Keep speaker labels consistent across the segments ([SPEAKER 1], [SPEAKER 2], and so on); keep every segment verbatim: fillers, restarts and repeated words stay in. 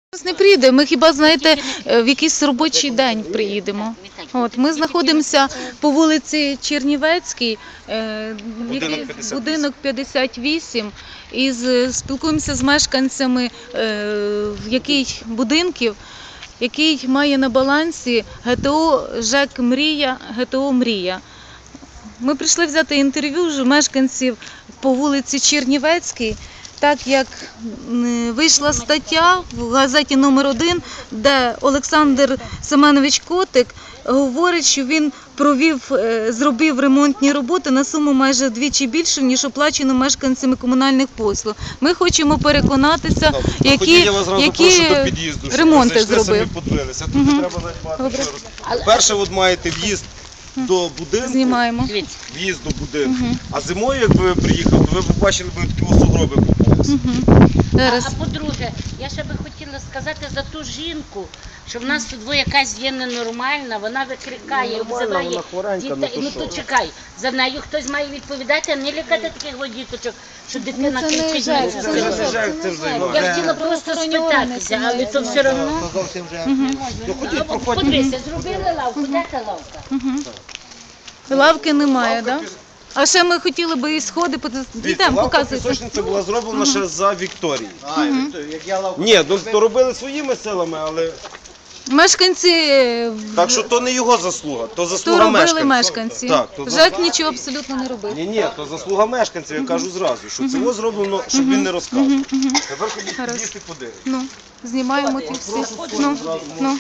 [SPEAKER 1] Зараз не приїде, ми хіба, знаєте, в якийсь робочий день приїдемо. От, ми знаходимося по вулиці Чернівецькій, е, який- будинок п'ятдесят вісім, і з- спілкуємося з мешканцями е, який будинків, який має на балансі ГТО ЖЕК «Мрія», ГТО «Мрія». Ми прийшли взяти інтерв'ю з мешканців по вулиці Чернівецькій, так як м, вийшла стаття в газеті номер один, де Олександр Семенович Котик говорить, що він провів, е, зробив ремонтні роботи на суму майже вдвічі більшу, ніж оплачено мешканцями комунальних послуг. Ми хочемо переконатися, які,
[SPEAKER 2] я вас зразу
[SPEAKER 1] які
[SPEAKER 2] прошу до під'їзду, щоб
[SPEAKER 1] ремонти
[SPEAKER 2] ви зайшли,
[SPEAKER 1] зробив.
[SPEAKER 2] самі подивилися. Тут не треба навіть багато що розповідати. Перше, от маєте в'їзд до будинку,
[SPEAKER 1] Знімаємо.
[SPEAKER 2] в'їзд до будинку. А зимою, як ви приїхали, то ви побачили б такі сугроби попалися.
[SPEAKER 1] Зараз.
[SPEAKER 3] А, а по-друге, я ще би хотіла сказати за ту жінку, що в нас тут якась є ненормальна, вона викрикає,
[SPEAKER 2] Ну, нормальна,
[SPEAKER 3] обзиває
[SPEAKER 2] вона хворенька, ну
[SPEAKER 3] дітей.
[SPEAKER 2] то
[SPEAKER 3] Ну
[SPEAKER 2] що?
[SPEAKER 3] то чекай, за нею хтось має відповідати, а не лякати таких от діточок, що дитина
[SPEAKER 1] Ну, це не
[SPEAKER 3] кричить.
[SPEAKER 1] жаль,
[SPEAKER 3] на
[SPEAKER 1] це
[SPEAKER 3] цю
[SPEAKER 1] не
[SPEAKER 3] дитину.
[SPEAKER 2] Це жаль, це вже
[SPEAKER 3] Я хотіла просто спитатися, але то все одно.
[SPEAKER 4] Зовсім вже.
[SPEAKER 2] Ну, ходіть, проходьте.
[SPEAKER 3] Подивися, зробили лавку, де та лавка?
[SPEAKER 1] Лавки немає, так? Да? А ще ми хотіли би і сходи, йдемо,
[SPEAKER 2] Лавка
[SPEAKER 1] показуйте.
[SPEAKER 2] пісочниця була зроблена ще за Вікторії.
[SPEAKER 4] А, як я лавку.
[SPEAKER 2] Ні, ну, то робили своїми силами, але...
[SPEAKER 1] Мешканці е,
[SPEAKER 2] Так що то не його заслуга, то
[SPEAKER 1] то
[SPEAKER 2] заслуга
[SPEAKER 1] робили
[SPEAKER 2] мешканців.
[SPEAKER 1] мешканці.
[SPEAKER 2] Так, то
[SPEAKER 1] ЖЕК нічого абсолютно не робив.
[SPEAKER 2] Ні, ні, то заслуга мешканців, я кажу зразу, що це було зроблено, щоб він не розказував. Тепер ходіть
[SPEAKER 1] Гаразд.
[SPEAKER 2] під'їзд і подивитися.
[SPEAKER 1] Ну, знімаємо ті всі. Ну, ну.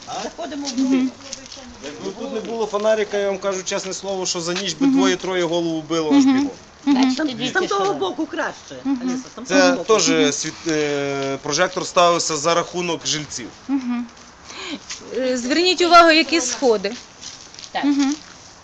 [SPEAKER 2] Якби тут не було фонарика, я вам кажу чесне слово, що за ніч би двоє-троє голову било аж бігом.
[SPEAKER 3] Бачите,
[SPEAKER 5] З
[SPEAKER 3] діти, що
[SPEAKER 5] того
[SPEAKER 3] робить.
[SPEAKER 5] боку краще. Аліса, з
[SPEAKER 2] Це
[SPEAKER 5] того боку.
[SPEAKER 2] теж світ, е, прожектор ставився за рахунок жильців.
[SPEAKER 1] Е, Зверніть увагу, які сходи.
[SPEAKER 3] Так.
[SPEAKER 1] Мгм.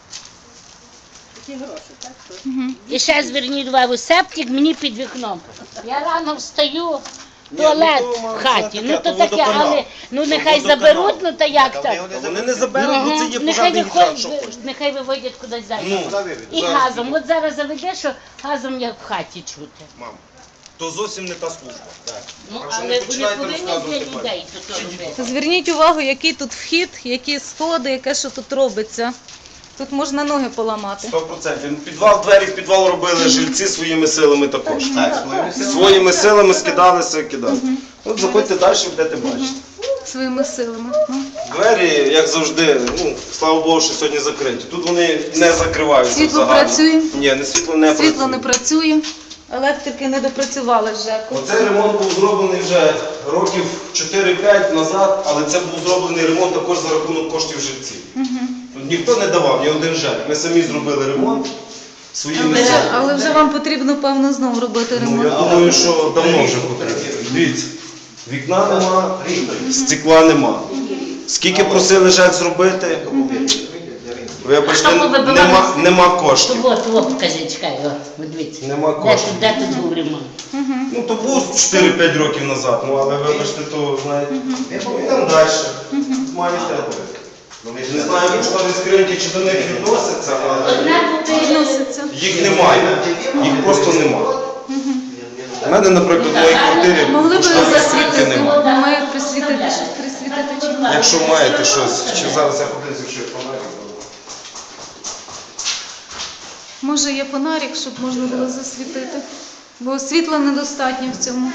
[SPEAKER 5] Такі гроші, так? що?
[SPEAKER 3] І ще зверніть увагу, септик мені під вікном. Я рано встаю, туалет
[SPEAKER 2] ну, то,
[SPEAKER 3] в хаті.
[SPEAKER 2] це
[SPEAKER 3] Ну то
[SPEAKER 2] таке,
[SPEAKER 3] таке,
[SPEAKER 2] водоканал.
[SPEAKER 3] але ну нехай
[SPEAKER 2] Водоканал.
[SPEAKER 3] заберуть, ну та як так?
[SPEAKER 2] Та вони не заберуть, бо це є
[SPEAKER 3] Нехай
[SPEAKER 2] пожежний гідрант,
[SPEAKER 3] виходять,
[SPEAKER 2] що хочете.
[SPEAKER 3] нехай виводять кудись далі.
[SPEAKER 2] Ну,
[SPEAKER 3] І
[SPEAKER 2] зараз
[SPEAKER 3] газом. От зараз заведе, що газом як в хаті чути.
[SPEAKER 2] Мам, то зовсім не та служба.
[SPEAKER 3] Ну,
[SPEAKER 2] Так що не
[SPEAKER 3] але вони
[SPEAKER 2] починайте
[SPEAKER 3] повинні для
[SPEAKER 2] розказувати
[SPEAKER 3] людей то робити.
[SPEAKER 1] Зверніть увагу, який тут вхід, які сходи, яке що тут робиться. Тут можна ноги поламати.
[SPEAKER 2] Сто процентів. Підвал, двері в підвал робили жильці своїми силами також.
[SPEAKER 4] Так, своїми силами.
[SPEAKER 2] Своїми силами скидалися, кидали. От заходьте далі, будете бачити.
[SPEAKER 1] Своїми силами. Ну.
[SPEAKER 2] Двері, як завжди, ну, слава Богу, що сьогодні закриті. Тут вони не закриваються
[SPEAKER 1] Світло
[SPEAKER 2] взагалі.
[SPEAKER 1] працює?
[SPEAKER 2] Ні, не світло не
[SPEAKER 1] Світло
[SPEAKER 2] працює.
[SPEAKER 1] не працює, електрики не допрацювали з ЖЕКу.
[SPEAKER 2] Оцей ремонт був зроблений вже років чотири-п'ять назад, але це був зроблений ремонт також за рахунок коштів жильців. Тут ніхто не давав, ні один ЖЕК. Ми самі зробили ремонт своїми
[SPEAKER 1] Але,
[SPEAKER 2] силами.
[SPEAKER 1] але вже вам потрібно, певно, знову робити
[SPEAKER 2] Ну,
[SPEAKER 1] ремонт.
[SPEAKER 2] я думаю, що давно вже потрібно. Дивіться, вікна нема, стекла нема. Скільки просили ЖЕК зробити? Вибачте,
[SPEAKER 3] А що ви вибивали?
[SPEAKER 2] нема, нема коштів.
[SPEAKER 3] То от, от, покажи, чекай, о, от дивіться.
[SPEAKER 2] Нема
[SPEAKER 3] Де
[SPEAKER 2] коштів.
[SPEAKER 3] тут, де тут був ремонт?
[SPEAKER 2] Ну, то був чотири-п'ять років назад, ну, але вибачте, то, знаєте, йдемо далі. Маєте. Не знаю, чи вони скриньки, чи до них відносяться, але
[SPEAKER 3] Одна буде
[SPEAKER 1] Відноситься.
[SPEAKER 2] їх немає. Їх просто немає. У мене, наприклад, в моїй квартирі
[SPEAKER 1] Могли б
[SPEAKER 2] штори скриньки
[SPEAKER 1] засвітити,
[SPEAKER 2] немає.
[SPEAKER 1] немає присвітити, присвітити чи ні?
[SPEAKER 2] Якщо маєте щось, чи зараз я подивлюся, якщо є фонарик.
[SPEAKER 1] Може є фонарик, щоб можна було засвітити, бо світла недостатньо в цьому.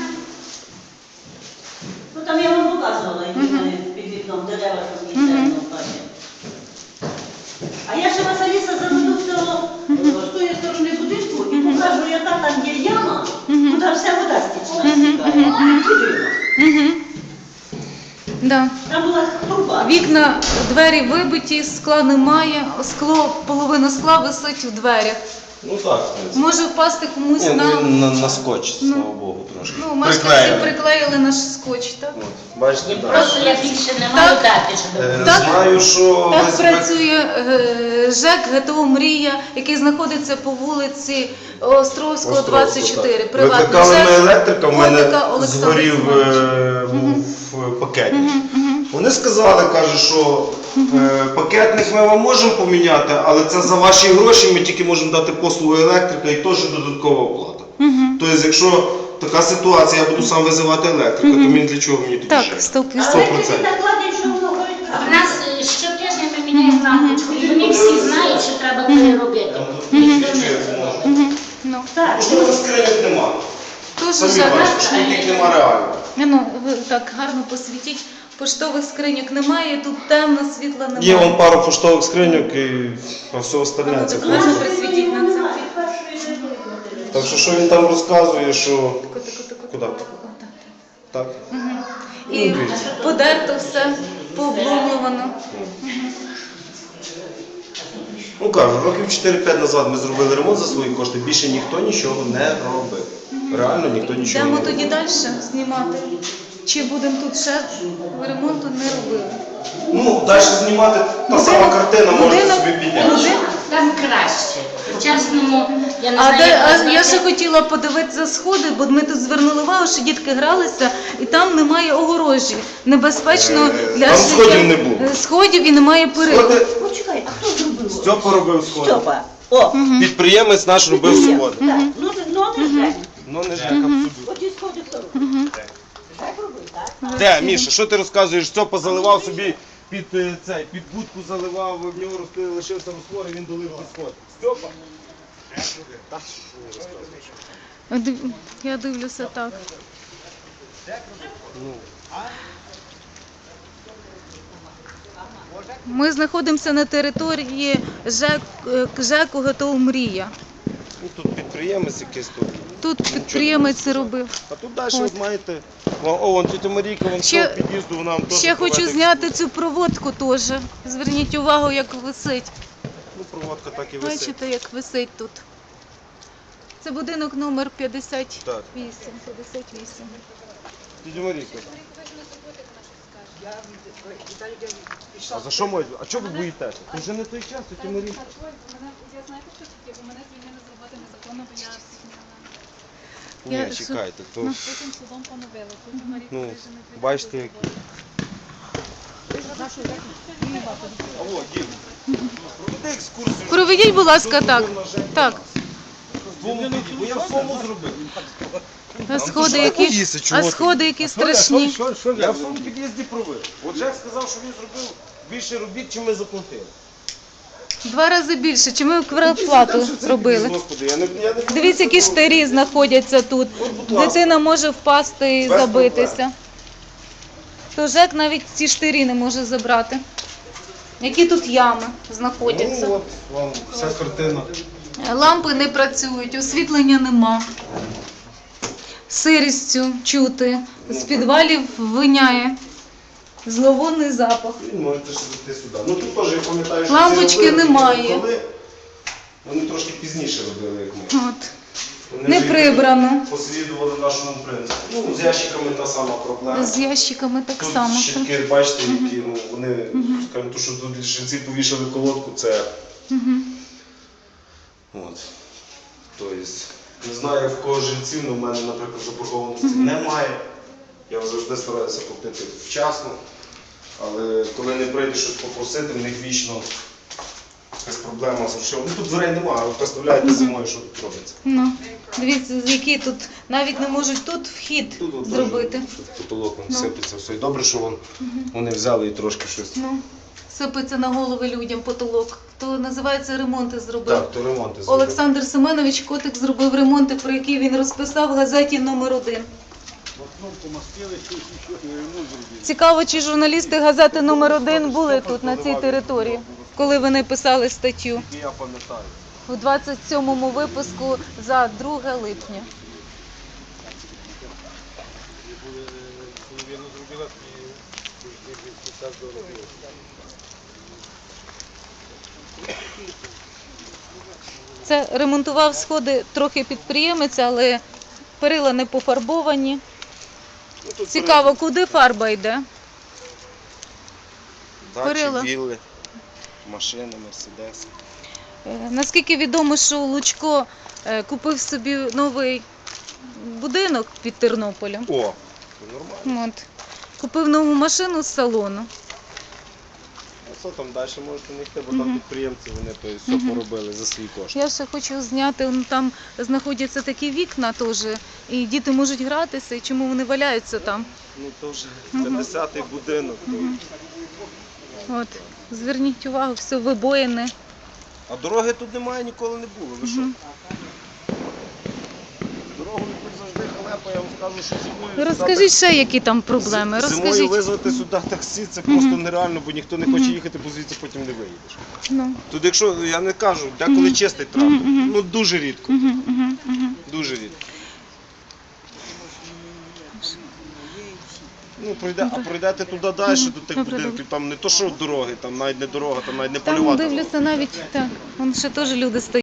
[SPEAKER 5] Ну там я вам показувала, які вони під вікном дерева там є темно в хаті. А я ще вас, Аліса, заведу з цього, з тої сторони будинку і покажу, яка там є яма, куди вся вода стічна стікає. Підрива.
[SPEAKER 1] Да.
[SPEAKER 5] Там була труба.
[SPEAKER 1] Вікна, двері вибиті, скла немає, скло, половина скла висить в дверях.
[SPEAKER 2] Ну так, в принципі.
[SPEAKER 1] Може впасти комусь
[SPEAKER 2] Ні,
[SPEAKER 1] на...
[SPEAKER 2] ну він на, на скотч, слава Богу, трошки.
[SPEAKER 1] Ну, мешканці
[SPEAKER 2] Приклеєний.
[SPEAKER 1] приклеїли наш скотч, так?
[SPEAKER 2] От, бачите, так.
[SPEAKER 3] Просто я більше не маю дати, щоб
[SPEAKER 2] Е,
[SPEAKER 1] Так.
[SPEAKER 2] Знаю, що
[SPEAKER 1] Так
[SPEAKER 2] ви-
[SPEAKER 1] працює е, ЖЕК ГТО «Мрія», який знаходиться по вулиці Островського, двадцять чотири. Приватний
[SPEAKER 2] Викликали ми
[SPEAKER 1] ЖЕК.
[SPEAKER 2] електрика, в мене
[SPEAKER 1] Котика Олександра
[SPEAKER 2] згорів
[SPEAKER 1] Семеновича.
[SPEAKER 2] е, був пакетник. Вони сказали, каже, що е, пакетник ми вам можемо поміняти, але це за ваші гроші, ми тільки можемо дати послугу електрика і теж додаткова оплата. Тобто, якщо така ситуація, я буду сам визивати електрика, то мені для чого мені тоді
[SPEAKER 1] Так,
[SPEAKER 2] ЖЕК?
[SPEAKER 1] сто
[SPEAKER 5] Але
[SPEAKER 2] Сто
[SPEAKER 5] ти
[SPEAKER 2] процентів.
[SPEAKER 5] накладеш, що воно горить.
[SPEAKER 3] У нас е, щотижня ми міняємо лампочку, і вони всі знають, що треба переробити. Ніхто не знає.
[SPEAKER 1] Мгм. Ну,
[SPEAKER 5] Так,
[SPEAKER 2] Поштових скриньок нема.
[SPEAKER 1] дуже
[SPEAKER 2] Самі
[SPEAKER 1] жаль.
[SPEAKER 2] бачите, що їх нема реально.
[SPEAKER 1] Ну, ви так гарно посвітіть. Поштових скриньок немає, тут темно, світла немає.
[SPEAKER 2] Є вон пару поштових скриньок і а все остальне це
[SPEAKER 1] Ну,
[SPEAKER 2] просто.
[SPEAKER 1] гарно присвітіть на це.
[SPEAKER 5] немає, першої не видно.
[SPEAKER 2] Так що що він там розказує, що
[SPEAKER 1] Тако, тако, тако,
[SPEAKER 2] Куди?
[SPEAKER 1] тако, тако, так.
[SPEAKER 2] так.
[SPEAKER 1] І
[SPEAKER 2] Ну, дивіться.
[SPEAKER 1] подерто все, пообломлювано.
[SPEAKER 2] Ну кажу, років чотири-п'ять назад ми зробили ремонт за свої кошти, більше ніхто нічого не робив. Реально ніхто нічого
[SPEAKER 1] Йдемо
[SPEAKER 2] не
[SPEAKER 1] тоді
[SPEAKER 2] робив.
[SPEAKER 1] далі знімати. Чи будемо тут ще ремонту не робили?
[SPEAKER 2] Ну, далі знімати та сама картина, можете
[SPEAKER 1] будинок-
[SPEAKER 2] собі підняти.
[SPEAKER 1] будинок-
[SPEAKER 3] Там краще. По-чесному, я не
[SPEAKER 1] А,
[SPEAKER 3] знаю,
[SPEAKER 1] де,
[SPEAKER 3] як
[SPEAKER 1] а
[SPEAKER 3] ви
[SPEAKER 1] я
[SPEAKER 3] знаєте,
[SPEAKER 1] ще хотіла подивитися сходи, бо ми тут звернули увагу, що дітки гралися, і там немає огорожі. Небезпечно
[SPEAKER 2] Е,
[SPEAKER 1] для
[SPEAKER 2] там
[SPEAKER 1] життя.
[SPEAKER 2] сходів не було.
[SPEAKER 1] Е, Сходів і немає перил.
[SPEAKER 2] Сходи,
[SPEAKER 5] Почекай, а хто зробив?
[SPEAKER 2] Стьопа робив сходи.
[SPEAKER 5] Стьопа. О,
[SPEAKER 2] Підприємець наш робив сходи.
[SPEAKER 5] так, ну, ну не Жень.
[SPEAKER 2] Ну не ЖЕК, абсолютно.
[SPEAKER 5] Оті сходи хто робив? Жень робив, так?
[SPEAKER 2] Де, Міша, що ти розказуєш? Стьопа заливав собі під е, цей, під будку заливав, в нього розпи- лишився розтвор, і він долив ті сходи. Стьопа?
[SPEAKER 1] Див- Я дивлюся так. Ми знаходимося на території ЖЕК, е, ЖЕКу «Готов Мрія».
[SPEAKER 2] Ну, тут підприємець якийсь тут.
[SPEAKER 1] Тут підприємець робив.
[SPEAKER 2] А тут далі
[SPEAKER 1] От.
[SPEAKER 2] от маєте. О, о, вон тітя Марійка, вон
[SPEAKER 1] Ще-
[SPEAKER 2] ще, під'їзду, вона вам теж
[SPEAKER 1] Ще хочу
[SPEAKER 2] проведе
[SPEAKER 1] зняти цю проводку теж. Зверніть увагу, як висить.
[SPEAKER 2] Ну, проводка так і висить.
[SPEAKER 1] Бачите, як висить тут. Це будинок номер п'ятдесят вісім. п'ятдесят вісім.
[SPEAKER 2] Тітя Марійка. А за що можете? А чого ви боїтеся? Це вже не той час, тітя Марійка.
[SPEAKER 6] Я знаєте, що таке, бо мене звільнили з роботи незаконно, бо я
[SPEAKER 2] Ні,
[SPEAKER 1] Я-
[SPEAKER 2] чекайте, то
[SPEAKER 6] потім судом поновили. Потім Марія
[SPEAKER 2] ну,
[SPEAKER 6] Крижина прийшла
[SPEAKER 2] бачите,
[SPEAKER 6] з
[SPEAKER 2] як.
[SPEAKER 6] роботи.
[SPEAKER 2] Алло, Дім, проведи екскурсію.
[SPEAKER 1] Проведіть, будь ласка, так. Так.
[SPEAKER 2] Бо я в своєму зробив.
[SPEAKER 1] А сходи,
[SPEAKER 2] що
[SPEAKER 1] які,
[SPEAKER 2] боїшся, чого
[SPEAKER 1] а
[SPEAKER 2] ти?
[SPEAKER 1] сходи, які страшні.
[SPEAKER 2] Я в своєму під'їзді провив. От Жек сказав, що він зробив більше робіт, чим ми заплатили.
[SPEAKER 1] Два рази більше. Чи ми квартплату робили?
[SPEAKER 2] Господи, я не, я не
[SPEAKER 1] Дивіться, які штирі знаходяться тут. Дитина може впасти і
[SPEAKER 2] Без
[SPEAKER 1] забитися. То ЖЕК навіть ці штирі не може забрати. Які тут ями знаходяться.
[SPEAKER 2] Ну, от вам вся картина.
[SPEAKER 1] Лампи не працюють, освітлення нема. Сирістю чути. З підвалів виняє. Зловонний запах.
[SPEAKER 2] Ви можете ще зайти сюди. Ну тут теж я пам'ятаю, що
[SPEAKER 1] Лампочки
[SPEAKER 2] ці робили,
[SPEAKER 1] немає.
[SPEAKER 2] коли вони трошки пізніше робили, як ми.
[SPEAKER 1] От.
[SPEAKER 2] Вони
[SPEAKER 1] Не
[SPEAKER 2] вже
[SPEAKER 1] прибрано.
[SPEAKER 2] послідували нашому принципу. Ну, з ящиками та сама проблема.
[SPEAKER 1] З ящиками так
[SPEAKER 2] Тут
[SPEAKER 1] само.
[SPEAKER 2] щитки, бачите, які, ну, вони, скажімо, то, що тут жінці повішали колодку, це,
[SPEAKER 1] Мгм.
[SPEAKER 2] от, тобто, не знаю, в кого жінців, але в мене, наприклад, заборгованості немає. Я завжди стараюся платити вчасно, але коли не прийде щось попросити, в них вічно якась проблема з грошима. Ну тут дверей немає, а ви представляєте зимою, що тут робиться.
[SPEAKER 1] Ну, дивіться, які тут навіть не можуть тут вхід
[SPEAKER 2] Тут от
[SPEAKER 1] зробити.
[SPEAKER 2] теж тут потолок вон
[SPEAKER 1] Ну.
[SPEAKER 2] сипеться все. І добре, що вон, вони взяли і трошки щось.
[SPEAKER 1] Ну, сипеться на голови людям потолок. То називається ремонти зробив.
[SPEAKER 2] Так, то ремонти зробили.
[SPEAKER 1] Олександр Семенович Котик зробив ремонти, про які він розписав в газеті номер один. Цікаво, чи журналісти газети номер один були тут, на цій території, коли вони писали статтю.
[SPEAKER 2] Я пам'ятаю.
[SPEAKER 1] У двадцять сьомому випуску за друге липня. Це ремонтував сходи трохи підприємець, але перила не пофарбовані.
[SPEAKER 2] Ну, тут
[SPEAKER 1] Цікаво, куди фарба йде?
[SPEAKER 2] дачі,
[SPEAKER 1] перила.
[SPEAKER 2] вілли, машини, мерседеси.
[SPEAKER 1] Е, Наскільки відомо, що Лучко е, купив собі новий будинок під Тернополем.
[SPEAKER 2] О, це нормально.
[SPEAKER 1] От. Купив нову машину з салону.
[SPEAKER 2] все, там далі можете не йти, бо там підприємці, вони то є все поробили за свої кошти.
[SPEAKER 1] Я ще хочу зняти, ну, там знаходяться такі вікна теж, і діти можуть гратися, і чому вони валяються там.
[SPEAKER 2] Ну то вже п'ятдесятий будинок. то-
[SPEAKER 1] От, зверніть увагу, все вибоїне.
[SPEAKER 2] А дороги тут немає, ніколи не було. Ви що? Дорогу тут завжди халепа, я вам скажу, що зимою...
[SPEAKER 1] Розкажіть ще, які там проблеми.
[SPEAKER 2] З- Зимою
[SPEAKER 1] Розкажіть.
[SPEAKER 2] визвати сюди таксі, це просто нереально, бо ніхто не хоче їхати, бо звідси потім не виїдеш.
[SPEAKER 1] Ну,
[SPEAKER 2] Тут якщо, я не кажу, деколи чистий транспорт, ну дуже рідко,
[SPEAKER 1] мгм, мгм, мгм.
[SPEAKER 2] дуже рідко. Ну, пройде, а пройдете туди далі, до тих
[SPEAKER 1] Добре,
[SPEAKER 2] будинків, там не то що дороги, там навіть не дорога, там навіть не
[SPEAKER 1] Там
[SPEAKER 2] польова.
[SPEAKER 1] дивлюся навіть, так, вон ще теж люди стоять.